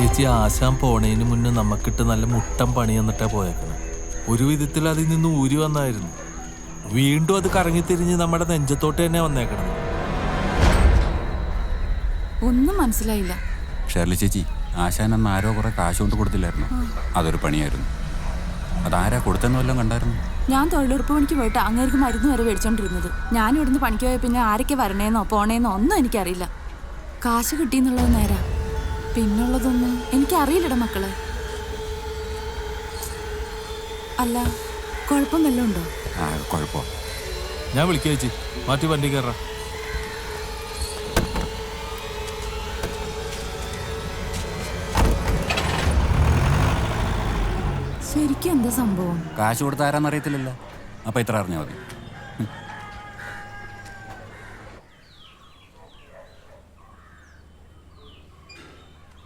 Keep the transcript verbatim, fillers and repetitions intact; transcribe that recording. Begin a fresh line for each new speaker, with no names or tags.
ചേച്ചി ആശാൻ പോണേന് മുന്നേ നമുക്കിട്ട് നല്ല മുട്ടം പണി എന്നിട്ടാ പോയേക്കണം. ഒരു വിധത്തിൽ അതിൽ നിന്ന് ഊരി വന്നായിരുന്നു. വീണ്ടും അത് കറങ്ങിത്തിരിഞ്ഞ് നമ്മുടെ നെഞ്ചത്തോട്ട് തന്നെ വന്നേക്കണം.
ഒന്നും മനസ്സിലായില്ല.
ഷേർലി ചേച്ചി, ആശാൻ അന്ന് ആരോ കുറെ കാശ് കൊണ്ട് കൊടുത്തില്ലായിരുന്നു? അതൊരു പണിയായിരുന്നു. അതാരാ കൊടുത്തെന്ന് വല്ലതും കണ്ടായിരുന്നു?
ഞാൻ തൊഴിലുറപ്പ് പണിക്ക് പോയിട്ട് അങ്ങേർക്ക് മരുന്ന് വരെ മേടിച്ചോണ്ടിരുന്നത്. ഞാൻ ഇവിടുന്ന് പണിക്ക് പോയ പിന്നെ ആരൊക്കെ വരണേന്നോ പോണേന്നോ ഒന്നും എനിക്കറിയില്ല. കാശ് കിട്ടിയെന്നുള്ളത് നേരാ, പിന്നുള്ളതൊന്നും എനിക്കറിയില്ലട മക്കളെ. അല്ല, കുഴപ്പം വല്ലതും ഉണ്ടോ?
ആ കുഴപ്പമോ?
ഞാൻ വിളിക്കുക ചേച്ചി, മാറ്റി വണ്ടി കയറാ.
ശരിക്കും എന്താ സംഭവം?
കാശ് കൊടുത്ത ആരാന്നറിയത്തില്ലല്ലോ. അപ്പൊ ഇത്ര അറിഞ്ഞാൽ മതി.